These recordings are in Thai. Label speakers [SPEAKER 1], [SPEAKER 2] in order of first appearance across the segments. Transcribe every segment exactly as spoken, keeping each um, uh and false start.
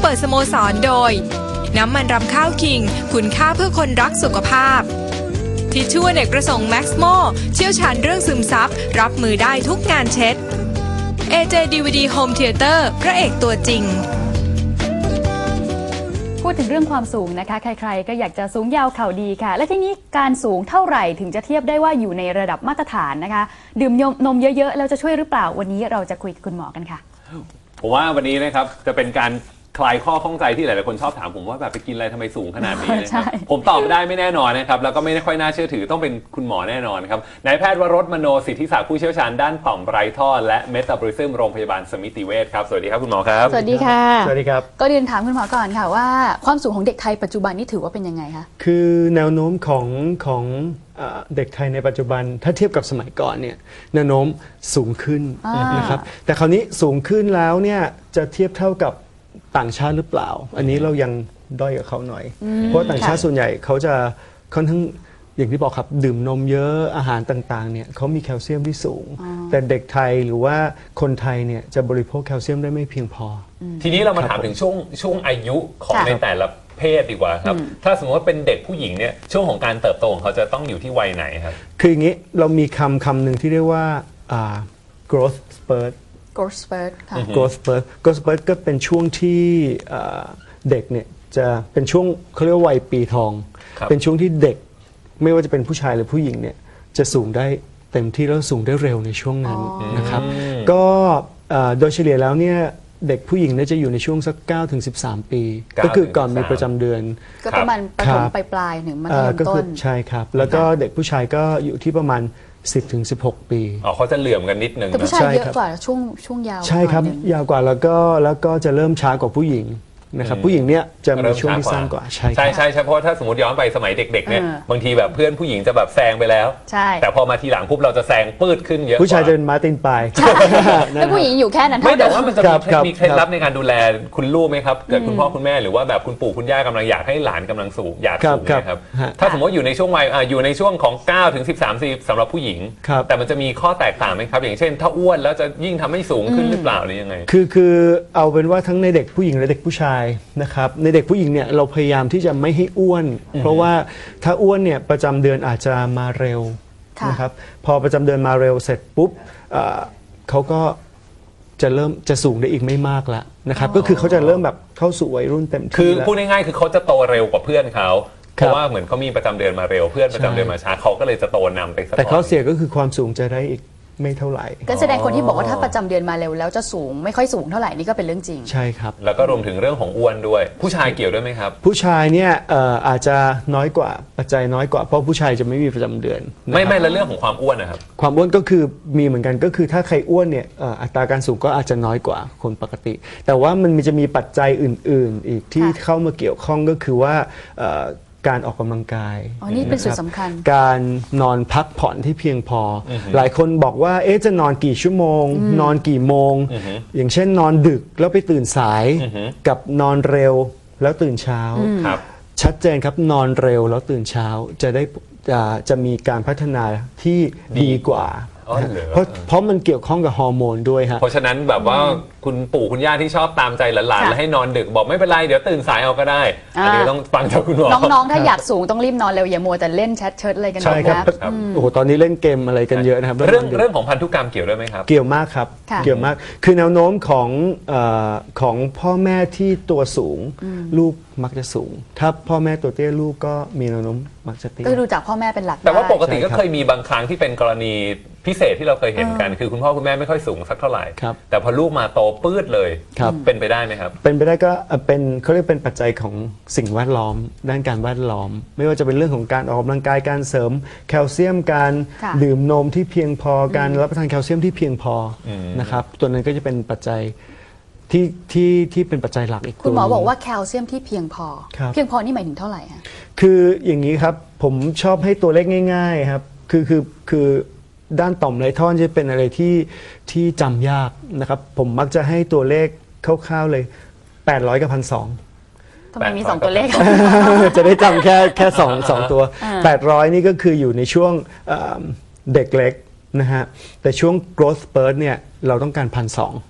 [SPEAKER 1] ปิดสโมสรโดยน้ำมันรำข้าวคิงคุณค่าเพื่อคนรักสุขภาพทิชชู่อเนกประสงค์แม็กซ์โมเชี่ยวชาญเรื่องซึมซับรับมือได้ทุกงานเช็ด เอ เจ ดี วี ดี Home Theater พระเอกตัวจริง
[SPEAKER 2] พูดถึงเรื่องความสูงนะคะใครๆก็อยากจะสูงยาวเข่าดีค่ะและทีนี้การสูงเท่าไหร่ถึงจะเทียบได้ว่าอยู่ในระดับมาตรฐานนะคะดื่มนมเยอะๆแล้วจะช่วยหรือเปล่าวันนี้เราจะคุยกับคุณหมอกันค่ะ
[SPEAKER 3] ผมว่าวันนี้นะครับจะเป็นการคลายข้อข้องใจที่หลายๆคนชอบถามผมว่าแบบไปกินอะไรทำไมสูงขนาดนี้นะครับผมตอบไม่ได้ไม่แน่นอนนะครับแล้วก็ไม่ค่อยน่าเชื่อถือต้องเป็นคุณหมอแน่นอนครับนายแพทย์วรสมโนสิทธิศักดิ์ผู้เชี่ยวชาญด้านต่อมไร้ท่อและเมตาบอลิซึมโรงพยาบาลสมิติเวชครับสวัสดีครับคุณหมอครับ
[SPEAKER 2] สวัสดีค่ะ
[SPEAKER 4] สวัสดีครับ
[SPEAKER 2] ก็เรียนถามคุณหมอก่อนค่ะว่าความสูงของเด็กไทยปัจจุบันนี่ถือว่าเป็นยังไงคะ
[SPEAKER 4] คือแนวโน้มของของเด็กไทยในปัจจุบันถ้าเทียบกับสมัยก่อนเนี่ยแนวโน้มสูงขึ้นนะครับแต่คราวนี้สูงขึ้นแล้วเนี่ยจะเทียบเท่ากับต่างชาติหรือเปล่าอันนี้เรายังด้อยกับเขาหน่อยเพราะต่างชาติส่วนใหญ่เขาจะค่อนข้างอย่างที่บอกครับดื่มนมเยอะอาหารต่างๆเนี่ยเขามีแคลเซียมที่สูงแต่เด็กไทยหรือว่าคนไทยเนี่ยจะบริโภคแคลเซียมได้ไม่เพียงพอ
[SPEAKER 3] ทีนี้เรามาถามถึงช่วงช่วงอายุของในแต่ละเพศดีกว่าครับถ้าสมมติว่าเป็นเด็กผู้หญิงเนี่ยช่วงของการเติบโตของเขาจะต้องอยู่ที่วัยไหนครับ
[SPEAKER 4] คืออย่างนี้เรามีคำคำหนึ่งที่เรียกว่า growth spurt
[SPEAKER 2] growth spurt ค่ะ
[SPEAKER 4] growth spurt growth spurt ก็เป็นช่วงที่เด็กเนี่ยจะเป็นช่วงเขาเรียกว่าวัยปีทองเป็นช่วงที่เด็กไม่ว่าจะเป็นผู้ชายหรือผู้หญิงเนี่ยจะสูงได้เต็มที่แล้วสูงได้เร็วในช่วงนั้นนะครับก็โดยเฉลี่ยแล้วเนี่ยเด็กผู้หญิงเนี่ยจะอยู่ในช่วงสักเก้าถึงสิบสามปีก็คือก่อนมีประจำเดือน
[SPEAKER 2] ก็ประมาณประถมปลายๆถึงมัธยมต้น
[SPEAKER 4] ใช่ครับแล้วก็เด็กผู้ชายก็อยู่ที่ประมาณสิบถึงสิบหกปี
[SPEAKER 3] อ๋อเขาจะเหลื่อมกันนิดนึง
[SPEAKER 2] แต่ผู้ชายเยอะกว่าช่วงช่วงยาว
[SPEAKER 4] ใช่ครับยาวกว่าแล้วก็แล้วก็จะเริ่มช้ากว่าผู้หญิงนะครับผู้หญิงเนี่ยจะมีช่วงที่สั้นกว่า
[SPEAKER 3] ใช่ใช่ใช่เพราะถ้าสมมติย้อนไปสมัยเด็กๆเนี่ยบางทีแบบเพื่อนผู้หญิงจะแบบแซงไปแล้วแต่พอมาทีหลังปุ๊บเราจะแซงปืดขึ้นเยอะ
[SPEAKER 4] ผู้ชายจะเป็นมาตินปลาย
[SPEAKER 2] แล้วผู้หญิงอยู่แค่นั้น
[SPEAKER 3] ไม่แต่ว่ามันจะมีเคล็ดลับในการดูแลคุณลูกไหมครับเกิดคุณพ่อคุณแม่หรือว่าแบบคุณปู่คุณย่ากำลังอยากให้หลานกำลังสูงอยากสูงนะครับถ้าสมมติอยู่ในช่วงวัยอยู่ในช่วงของเก้าถึงสิบสามปีสำหรับผู้หญิงแต่มันจะมีข้อแตกต่างไหมครับอย่างเช่นถ้าอ้วนแล้วจะยิ่งทำให้สูงขึ้นหรือเปล่าหรือยังไง
[SPEAKER 4] คือคือเอาเป็นว่าทั้งในเด็กผู้หญิงและเด็กผู้ชายนะครับในเด็กผู้หญิงเนี่ยเราพยายามที่จะไม่ให้อ้วนเพราะว่าถ้าอ้วนเนี่ยประจำเดือนอาจจะมาเร็วนะครับพอประจำเดือนมาเร็วเสร็จปุ๊บเขาก็จะเริ่มจะสูงได้อีกไม่มากแล้วนะครับก็คือเขาจะเริ่มแบบเข้าสู่วัยรุ่นเต็มที่
[SPEAKER 3] คือพูดง่ายๆคือเขาจะโตเร็วกว่าเพื่อนเขาเพราะว่าเหมือนเขามีประจำเดือนมาเร็วเพื่อนประจำเดือนมาช้าเขาก็เลยจะโตนำไปสัก
[SPEAKER 4] แต่ข้อเสียก็คือความสูงจะได้อีกไม่เท่าไหร่
[SPEAKER 2] ก็แสดงคนที่บอกว่าถ้าประจำเดือนมาเร็วแล้วจะสูงไม่ค่อยสูงเท่าไหร่นี่ก็เป็นเรื่องจริง
[SPEAKER 4] ใช่ครับ
[SPEAKER 3] แล้วก็รวมถึงเรื่องของอ้วนด้วยผู้ชายเกี่ยวด้วยไหมครับ
[SPEAKER 4] ผู้ชายเนี่ยอาจจะน้อยกว่าปัจจัยน้อยกว่าเพราะผู้ชายจะไม่มีประจำเดือน
[SPEAKER 3] ไม่ไม่แล้วเรื่องของความอ้วนนะครับ
[SPEAKER 4] ความอ้วนก็คือมีเหมือนกันก็คือถ้าใครอ้วนเนี่ยอัตราการสูงก็อาจจะน้อยกว่าคนปกติแต่ว่ามันจะมีปัจจัยอื่นๆอีกที่เข้ามาเกี่ยวข้องก็คือว่าการออกกำลังกาย
[SPEAKER 2] อ๋อนี่เป็นส่วนสำคัญ
[SPEAKER 4] การนอนพักผ่อนที่เพียงพอหลายคนบอกว่าเอ๊ะจะนอนกี่ชั่วโมงนอนกี่โมงอย่างเช่นนอนดึกแล้วไปตื่นสายกับนอนเร็วแล้วตื่นเช้าชัดเจนครับนอนเร็วแล้วตื่นเช้าจะได้จะจะมีการพัฒนาที่ดีกว่าเพราะเพราะมันเกี่ยวข้องกับฮอร์โมนด้วยฮะ
[SPEAKER 3] เพราะฉะนั้นแบบว่าคุณปู่คุณย่าที่ชอบตามใจหลานๆแล้วให้นอนดึกบอกไม่เป็นไรเดี๋ยวตื่นสายเอาก็ได้อันนี้ต้องฟังจากคุณหมอ
[SPEAKER 2] น้องๆถ้าอยากสูงต้องรีบนอนเร็วอย่ามัวแต่เล่นแชทเชิดอะไรกันนะ
[SPEAKER 4] ใช่ครับโอ้โหตอนนี้เล่นเกมอะไรกันเยอะนะครับ
[SPEAKER 3] เรื่องเรื่องของพันธุกรรมเกี่ยวด้วยไหมครับ
[SPEAKER 4] เกี่ยวมากครับเกี่ยวมากคือแนวโน้มของของพ่อแม่ที่ตัวสูงลูกมักจะสูงถ้าพ่อแม่ตัวเตี้ยลูกก็มีแนวโน้มมักจะเตี้ย
[SPEAKER 2] ก็ดูจากพ่อแม่เป็นหลัก
[SPEAKER 3] แต่ว่าปกติก็เคยมีบางครั้งที่เป็นกรณีพิเศษที่เราเคยเห็นกันคือคุณพ่อคุณแม่ไม่ค่อยสูงสักเท่าไหร่แต่พอลูกมาโตปื้ดเลยเป็นไปได้ไหมครับ
[SPEAKER 4] เป็นไปได้ก็เป็นเขาเรียกเป็นปัจจัยของสิ่งแวดล้อมด้านการแวดล้อมไม่ว่าจะเป็นเรื่องของการออกกำลังกายการเสริมแคลเซียมการดื่มนมที่เพียงพอการรับประทานแคลเซียมที่เพียงพอนะครับตัวนั้นก็จะเป็นปัจจัยที่ที่ที่เป็นปัจจัยหลักอีกตัว
[SPEAKER 2] คุณหมอบอกว่าแคลเซียมที่เพียงพอเพียงพอนี่หมายถึงเท่าไหร่คะ
[SPEAKER 4] คืออย่างนี้ครับผมชอบให้ตัวเลขง่ายๆครับคือคือคือด้านต่อมไรท่อนจะเป็นอะไรที่ที่จำยากนะครับผมมักจะให้ตัวเลขคร่าวๆเลยแปดร้อยกับพันสอง
[SPEAKER 2] ทำไมมีสองตัวเลข
[SPEAKER 4] จะได้จำแค่แค่สองสองตัวแปดร้อยนี่ก็คืออยู่ในช่วงเด็กเล็กนะฮะแต่ช่วง growth spurt เนี่ยเราต้องการพันสอง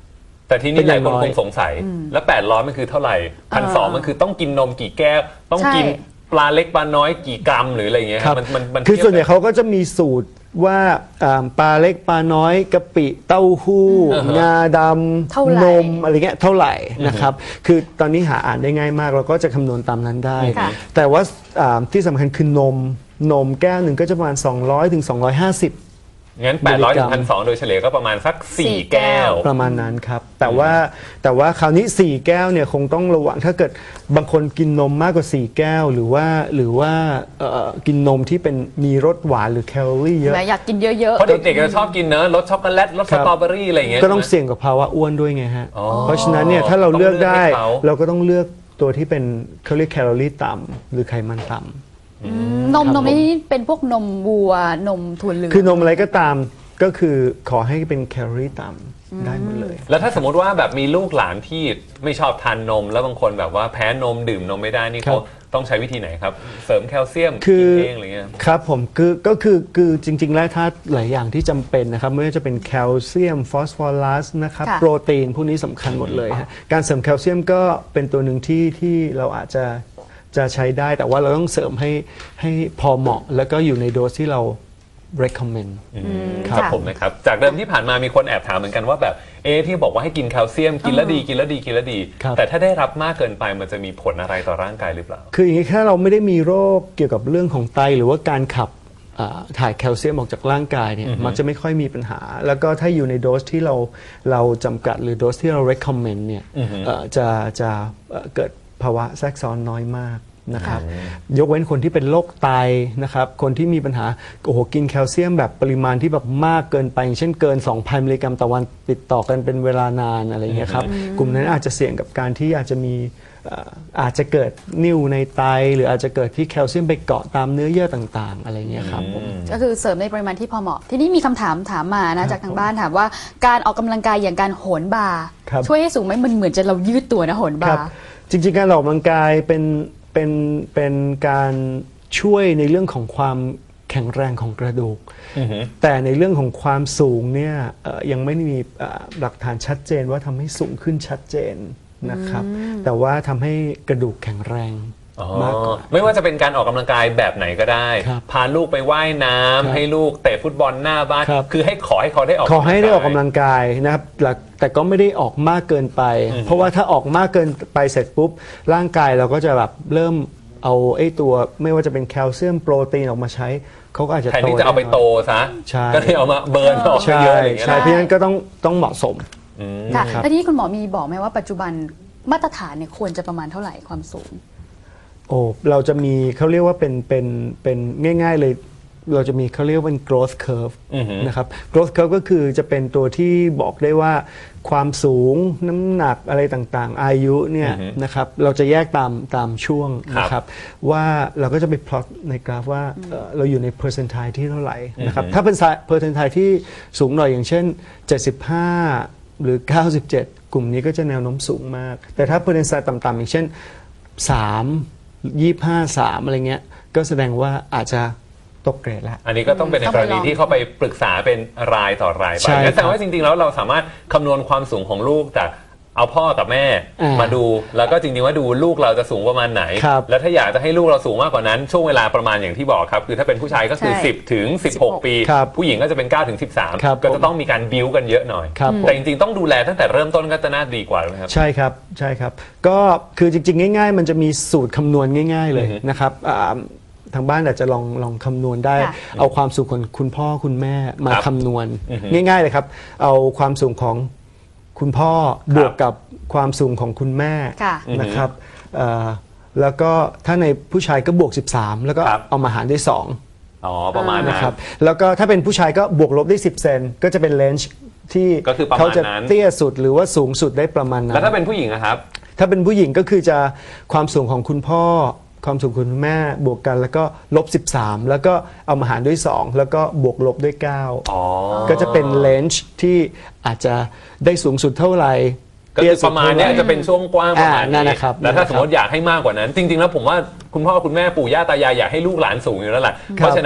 [SPEAKER 3] แต่ทีนี้หลายคนคงสงสัยแล้วแปดร้อยมันคือเท่าไหร่พันสองมันคือต้องกินนมกี่แก้วต้องกินปลาเล็กปลาน้อยกี่กรัมหรืออะไรอย่างเงี้ยครับมันมัน
[SPEAKER 4] คือส่วนใหญ่เขาก็จะมีสูตรว่าปลาเล็กปลาน้อยกะปิเต้าหู้งาดำนมอะไรเงี้ยเท่าไหร่นะครับคือตอนนี้หาอ่านได้ง่ายมากเราก็จะคำนวณตามนั้นได้แต่ว่าที่สำคัญคือนมนมแก้วหนึ่งก็จะประมาณสองร้อยถึงสองร้อยห้าสิบ
[SPEAKER 3] งั้นแปดร้อยถึงพันสองโดยเฉลี่ยก็ประมาณสักสี่แก้ว
[SPEAKER 4] ประมาณนั้นครับแต่ว่าแต่ว่าคราวนี้สี่แก้วเนี่ยคงต้องระวังถ้าเกิดบางคนกินนมมากกว่าสี่แก้วหรือว่าหรือว่ากินนมที่เป็นมีรสหวานหรือแคลอรี่เยอะ
[SPEAKER 2] อยากกินเยอะๆ
[SPEAKER 3] เพราะเด็กๆจะชอบกินเนอะรสช็อกโกแลตรสสตรอเบอรี่อะไรอย่างเงี้ย
[SPEAKER 4] ก็ต้องเสี่ยงกับภาวะอ้วนด้วยไงฮะเพราะฉะนั้นเนี่ยถ้าเราเลือกได้เราก็ต้องเลือกตัวที่เป็นเขาเรียกแคลอรี่ต่ำหรือไขมันต่ำ
[SPEAKER 2] นมนมนี่เป็นพวกนมวัวนมถั่วเหลือง
[SPEAKER 4] คือนมอะไรก็ตามก็คือขอให้เป็นแคลอรี่ต่ำได้หมดเลย
[SPEAKER 3] แล้วถ้าสมมติว่าแบบมีลูกหลานที่ไม่ชอบทานนมแล้วบางคนแบบว่าแพ้นมดื่มนมไม่ได้นี่เขาต้องใช้วิธีไหนครับเสริมแคลเซียม
[SPEAKER 4] กิน
[SPEAKER 3] เองอะไรเงี้ย
[SPEAKER 4] ครับผมคือก็คือคือจริงๆแล้วถ้าหลายอย่างที่จำเป็นนะครับไม่ว่าจะเป็นแคลเซียมฟอสฟอรัสนะครับโปรตีนพวกนี้สำคัญหมดเลยฮะการเสริมแคลเซียมก็เป็นตัวหนึ่งที่ที่เราอาจจะจะใช้ได้แต่ว่าเราต้องเสริมให้ให้พอเหมาะแล้วก็อยู่ในโดสที่เรา recommend
[SPEAKER 3] ครับผมนะครับจากเดิมที่ผ่านมามีคนแอบถามเหมือนกันว่าแบบเอที่บอกว่าให้กินแคลเซียมกินแล้วดีกินแล้วดีกินแล้วดีแต่ถ้าได้รับมากเกินไปมันจะมีผลอะไรต่อร่างกายหรือเปล่า
[SPEAKER 4] คืออย่างนี้ถ้าเราไม่ได้มีโรคเกี่ยวกับเรื่องของไตหรือว่าการขับถ่ายแคลเซียมออกจากร่างกายเนี่ยมันจะไม่ค่อยมีปัญหาแล้วก็ถ้าอยู่ในโดสที่เราเราจำกัดหรือโดสที่เรา recommend เนี่ยจะจะเกิดภาวะแทรกซ้อนน้อยมากนะครับยกเว้นคนที่เป็นโรคไตนะครับคนที่มีปัญหาโอ้โหกินแคลเซียมแบบปริมาณที่แบบมากเกินไปอย่างเช่นเกิน สองพัน มิลลิกรัมต่อวันติดต่อกันเป็นเวลานานอะไรเงี้ยครับกลุ่มนั้นอาจจะเสี่ยงกับการที่อาจจะมีอาจจะเกิดนิ่วในไตหรืออาจจะเกิดที่แคลเซียมไปเกาะตามเนื้อเยื่อต่างๆอะไรเงี้ยครับ
[SPEAKER 2] ก็คือเสริมในปริมาณที่พอเหมาะทีนี้มีคำถามถามมานะจากทางบ้านถามว่าการออกกำลังกายอย่างการโหนบาร์ช่วยให้สูงไหมมันเหมือนจะเรายืดตัวนะโหนบาร์
[SPEAKER 4] จริงๆการออกกำลังกายเป็นเป็นเป็นการช่วยในเรื่องของความแข็งแรงของกระดูกแต่ในเรื่องของความสูงเนี่ยยังไม่มีหลักฐานชัดเจนว่าทำให้สูงขึ้นชัดเจนนะครับแต่ว่าทำให้กระดูกแข็งแรงมากกว่า
[SPEAKER 3] ไม่ว่าจะเป็นการออกกำลังกายแบบไหนก็ได้พาลูกไปว่ายน้ำให้ลูกเตะฟุตบอลหน้าบ้านคือให้ขอให้เขาได้ออก
[SPEAKER 4] ขอให้ได้ออกกำลังกายนะครับแต่ก็ไม่ได้ออกมากเกินไปเพราะว่าถ้าออกมากเกินไปเสร็จปุ๊บร่างกายเราก็จะแบบเริ่มเอาไอ้ตัวไม่ว่าจะเป็นแคลเซียมโปรตีนออกมาใช้เขาก็อาจจะ
[SPEAKER 3] แทนที่จะเอาไปโตซะก็เลยเอามาเบิร์นออกเยอะๆ
[SPEAKER 4] ใช่เพราะฉะนั้นก็ต้องต้องเหมาะสม
[SPEAKER 2] ค่ะแล้วที่คุณหมอมีบอกไหมว่าปัจจุบันมาตรฐานเนี่ยควรจะประมาณเท่าไหร่ความสูง
[SPEAKER 4] โอ้เราจะมีเขาเรียกว่าเป็นเป็นเป็นง่ายๆเลยเราจะมีเขาเรียกว่าเป็น growth curve นะครับ growth curve ก็คือจะเป็นตัวที่บอกได้ว่าความสูงน้ำหนักอะไรต่างๆอายุเนี่ยนะครับเราจะแยกตามตามช่วงนะครับว่าเราก็จะไป plot ในกราฟว่าเราอยู่ใน percentile ที่เท่าไหร่นะครับถ้าเป็น percentile ที่สูงหน่อยอย่างเช่นเจ็ดสิบห้าหรือเก้าสิบเจ็ดกลุ่มนี้ก็จะแนวโน้มสูงมากแต่ถ้า percentile ต่ำๆอย่างเช่นสามยี่สิบห้า สามอะไรเงี้ยก็แสดงว่าอาจจะตกเกรดแล้ว
[SPEAKER 3] อันนี้ก็ต้องเป็นในกรณีที่เขาไปปรึกษาเป็นรายต่อรายไปงั้นแสดงว่าจริงๆแล้วเราสามารถคำนวณความสูงของลูกจากเอาพ่อกับแม่มาดูแล้วก็จริงๆว่าดูลูกเราจะสูงประมาณไหนแล้วถ้าอยากจะให้ลูกเราสูงมากกว่านั้นช่วงเวลาประมาณอย่างที่บอกครับคือถ้าเป็นผู้ชายก็คือสิบถึงสิบหกปีผู้หญิงก็จะเป็นเก้าถึงสิบสามก็จะต้องมีการบิ้วกันเยอะหน่อยแต่จริงๆต้องดูแลตั้งแต่เริ่มต้นก็จะน่าดีกว่าครับ
[SPEAKER 4] ใช่ครับใช่ครับก็คือจริงๆง่ายๆมันจะมีสูตรคำนวณง่ายๆเลยนะครับทางบ้านอาจจะลองลองคำนวณได้เอาความสูงของคุณพ่อคุณแม่มาคำนวณง่ายๆเลยครับเอาความสูงของคุณพ่อบวกกับความสูงของคุณแม่นะครับแล้วก็ถ้าในผู้ชายก็บวกสิบสามแล้วก็เอามาหารด้วยสอง
[SPEAKER 3] อ๋อประมาณนั้น
[SPEAKER 4] นะครับแล้วก็ถ้าเป็นผู้ชายก็บวกลบได้สิบเซนก็จะเป็นเลนจ์ที่เขาจะเตี้ยสุดหรือว่าสูงสุดได้ประมาณนั้น
[SPEAKER 3] แล้วถ้าเป็นผู้หญิงนะครับ
[SPEAKER 4] ถ้าเป็นผู้หญิงก็คือจะความสูงของคุณพ่อความสูงคุณแม่บวกกันแล้วก็ลบสิบสามแล้วก็เอามาหารด้วยสองแล้วก็บวกลบด้วยเก้าก็จะเป็นเลนจ์ที่อาจจะได้สูงสุดเท่าไหร่
[SPEAKER 3] ก็คือประมาณนี้จะเป็นช่วงกว้างประมาณนี้แล้วถ้าสมมติอยากให้มากกว่านั้นจริงๆแล้วผมว่าคุณพ่อคุณแม่ปู่ย่าตายายอยากให้ลูกหลานสูงอยู่แล้วแหละเพราะฉะนั้น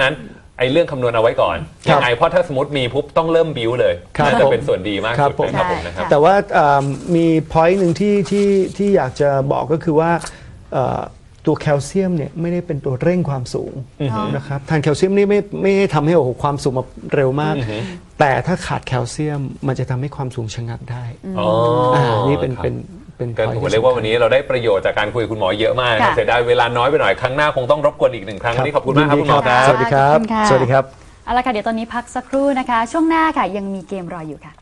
[SPEAKER 3] ไอ้เรื่องคำนวณเอาไว้ก่อน
[SPEAKER 4] ครับ
[SPEAKER 3] ยังไงเพราะถ้าสมมติมีปุ๊บต้องเริ่มบิวเลย
[SPEAKER 4] ครับ
[SPEAKER 3] น่าจะ
[SPEAKER 4] ผม
[SPEAKER 3] เป็นส่วนดีมาก
[SPEAKER 4] ครับ
[SPEAKER 3] สุด
[SPEAKER 4] ผม
[SPEAKER 3] นะครับผมนะครับ
[SPEAKER 4] แต่ว่าเอ่อมีพอยต์หนึ่งที่ที่ที่อยากจะบอกก็คือว่าเอ่อตัวแคลเซียมเนี่ยไม่ได้เป็นตัวเร่งความสูงนะครับทานแคลเซียมนี่ไม่ไม่ได้ทำให้โอ้โหความสูงมาเร็วมาก แต่ถ้าขาดแคลเซียมมันจะทำให้ความสูงชะงักได้
[SPEAKER 3] อ๋ออ่
[SPEAKER 4] านี่เป็น
[SPEAKER 3] ครับ
[SPEAKER 4] เป็นเป็น
[SPEAKER 3] ก็
[SPEAKER 4] point
[SPEAKER 3] ผมเรียกว่าวันนี้เราได้ประโยชน์จากการคุยกับคุณหมอเยอะมากนะครับ
[SPEAKER 2] ค่ะ
[SPEAKER 3] เสียดายเวลาน้อยไปหน่อยครั้งหน้าคงต้องรบกวนอีกหนึ่งครั้งวันนี้ขอบคุณมากครับ
[SPEAKER 4] ยิน
[SPEAKER 3] คุ
[SPEAKER 4] ดี
[SPEAKER 3] ณหมอครับ
[SPEAKER 4] สวัสดีครับ
[SPEAKER 2] ขอบคุณค่ะ
[SPEAKER 4] สวัสดีครับ
[SPEAKER 2] เอาละค่ะเดี๋ยวตอนนี้พักสักครู่นะคะ ช่วงหน้าค่ะยังมีเกมรออยู่ค่ะ